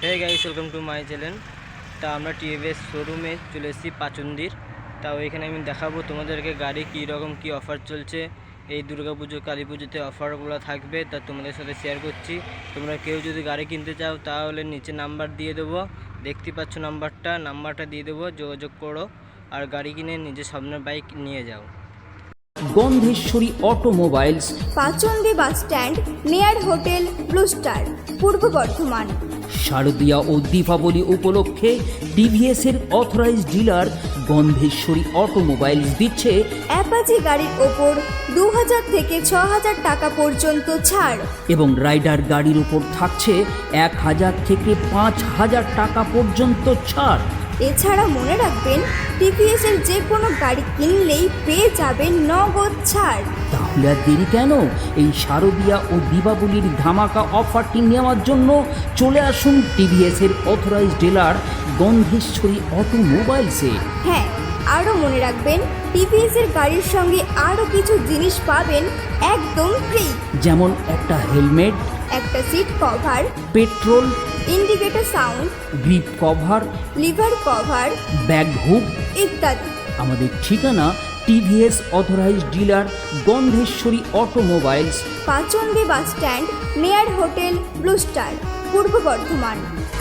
Hey guys, welcome to my channel. তা আমরা TVS শোরুমে চলে এসেছি পাচন্দির। তাও এখানে আমি দেখাবো তোমাদেরকে গাড়ি কী রকম কী অফার চলছে। এই দুর্গাপুজো কালী পুজোতে অফারগুলো থাকবে, তা তোমাদের সাথে শেয়ার করছি। তোমরা কেউ যদি গাড়ি কিনতে চাও তাহলে নিচে নাম্বার দিয়ে দেবো, দেখতে পাচ্ছ নাম্বারটা দিয়ে দেবো, যোগাযোগ করো আর গাড়ি কিনে নিজের স্বপ্নের বাইক নিয়ে যাও। Gandheswari Automobiles, Pachandi bus stand, near hotel Blue Star, Purba Bardhaman. শারদীয়া ও দীপাবলি উপলক্ষে টিভিএস এর অথরাইজড ডিলার গন্ধেশ্বরী অটোমোবাইলস দিচ্ছে অ্যাপাচি গাড়ির ওপর 2000 থেকে 6000 টাকা পর্যন্ত ছাড় এবং রাইডার গাড়ির উপর থাকছে 1000 থেকে 5000 টাকা পর্যন্ত ছাড়। এছাড়া মনে রাখবেন, টিভিএস এর যে কোনো গাড়ি কিনলেই পেয়ে যাবেন নগদ ছাড়। তাহলে আর দেরি কেন? এই শারদীয়া ও দীপাবলির ধামাকা অফারটি নেওয়ার জন্য চলে আসুন টিভিএস এর অথরাইজড ডিলার গন্ধেশ্বরী অটোমোবাইলসে। হ্যাঁ, আরও মনে রাখবেন, টিভিএস এর গাড়ির সঙ্গে আরও কিছু জিনিস পাবেন একদম ফ্রি, যেমন একটা হেলমেট, একটা seat cover, petrol, indicator sound, grip cover, lever cover bag hook ইত্যাদি। আমাদের ঠিকানা TVS authorised dealer Gandheswari Automobiles, Pachandi bus stand, near hotel Blue Star, Purba Bardhaman.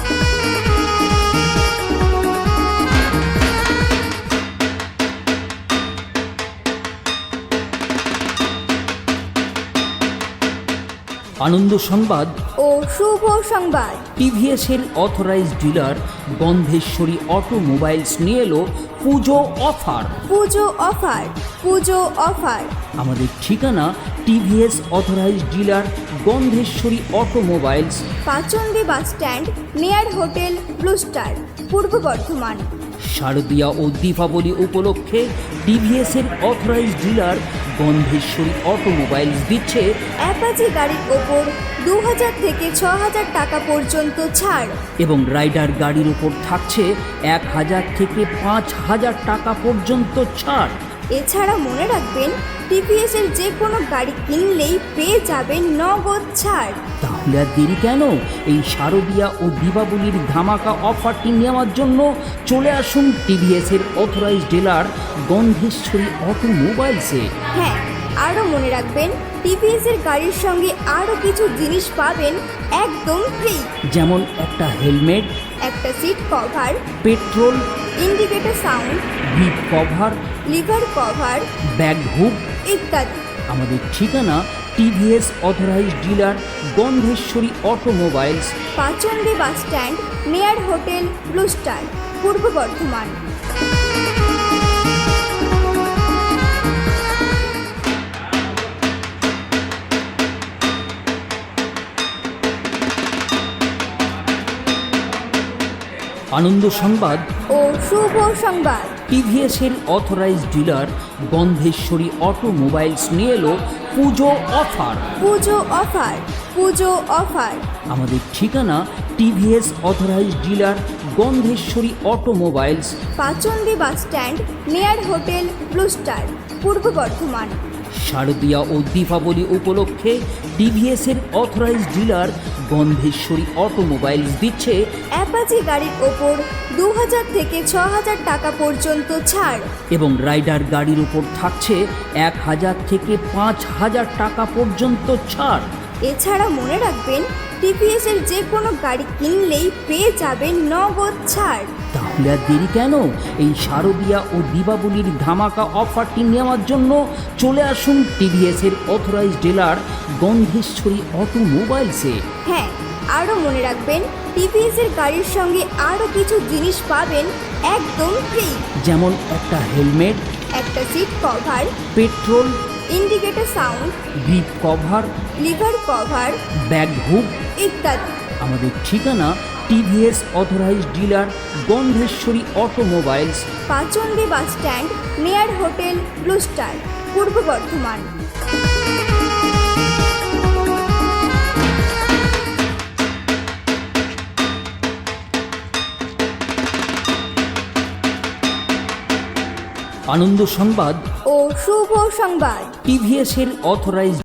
আনন্দ সংবাদ ও শুভ সংবাদ, টিভিএস এর অথরাইজড ডিলার গন্ধেশ্বরী অটোমোবাইলস নিয়ে এলো পুজো অফার। পুজো অফার, পুজো অফার। আমাদের ঠিকানা TVS authorised dealer Gandheswari Automobiles, Pachandi bus stand, near hotel Blue Star, Purba Bardhaman. শারদীয়া ও দীপাবলি উপলক্ষে টিভিএস এর অথরাইজড ডিলার গন্ধেশ্বরী অটোমোবাইলস দিচ্ছে অ্যাপাচি গাড়ির ওপর 2000 থেকে 6000 টাকা পর্যন্ত ছাড় এবং রাইডার গাড়ির উপর থাকছে 1000 থেকে 5000 টাকা পর্যন্ত ছাড়। এছাড়া মনে রাখবেন, টিভিএস এর যে কোনো গাড়ি কিনলেই পেয়ে যাবেন নগদ ছাড়। তাহলে আর দেরি কেন? এই শারদীয়া ও দীপাবলির ধামাকা অফারটি নেওয়ার জন্য চলে আসুন টিভিএস এর অথরাইজড ডিলার গন্ধেশ্বরী অটোমোবাইলসে। হ্যাঁ, আরও মনে রাখবেন, টিভিএস এর গাড়ির সঙ্গে আরও কিছু জিনিস পাবেন একদম ফ্রি, যেমন একটা হেলমেট, একটা seat cover, petrol, indicator sound, grip cover, lever cover bag hook ইত্যাদি। আমাদের ঠিকানা TVS authorised dealer Gandheswari Automobiles, Pachandi bus stand, near hotel Blue Star, Purba Bardhaman. আনন্দ সংবাদ ও শুভ সংবাদ, টিভিএস এর অথরাইজড ডিলার গন্ধেশ্বরী অটোমোবাইলস নিয়ে এলো পুজো অফার। পুজো অফার, পুজো অফার। আমাদের ঠিকানা TVS authorised dealer Gandheswari Automobiles, Pachandi bus stand, near hotel Blue Star, Purba Bardhaman. শারদীয়া ও দীপাবলি উপলক্ষে টিভিএস এর অথরাইজড ডিলার গন্ধেশ্বরী অটোমোবাইলস দিচ্ছে অ্যাপাচি গাড়ির ওপর 2000 থেকে 6000 টাকা পর্যন্ত ছাড় এবং রাইডার গাড়ির উপর থাকছে 1000 থেকে 5000 টাকা পর্যন্ত ছাড়। এছাড়া মনে রাখবেন, টিভিএস এর যে কোনো গাড়ি কিনলেই পেয়ে যাবেন নগদ ছাড়। তাহলে আর দেরি কেন? এই শারদীয়া ও দীপাবলির ধামাকা অফারটি নেওয়ার জন্য চলে আসুন টিভিএস এর অথরাইজড ডিলার গন্ধেশ্বরী অটোমোবাইলসে। হ্যাঁ, আরও মনে রাখবেন, টিভিএস এর গাড়ির সঙ্গে আরও কিছু জিনিস পাবেন একদম ফ্রি, যেমন একটা হেলমেট, একটা seat cover, petrol, indicator sound, grip cover, lever cover bag hook ইত্যাদি। আমাদের ঠিকানা TVS authorised dealer Gandheswari Automobiles, Pachandi bus stand, near hotel Blue Star, Purba Bardhaman. আনন্দ সংবাদ ও শুভ সংবাদ, টিভিএস এর অথরাইজড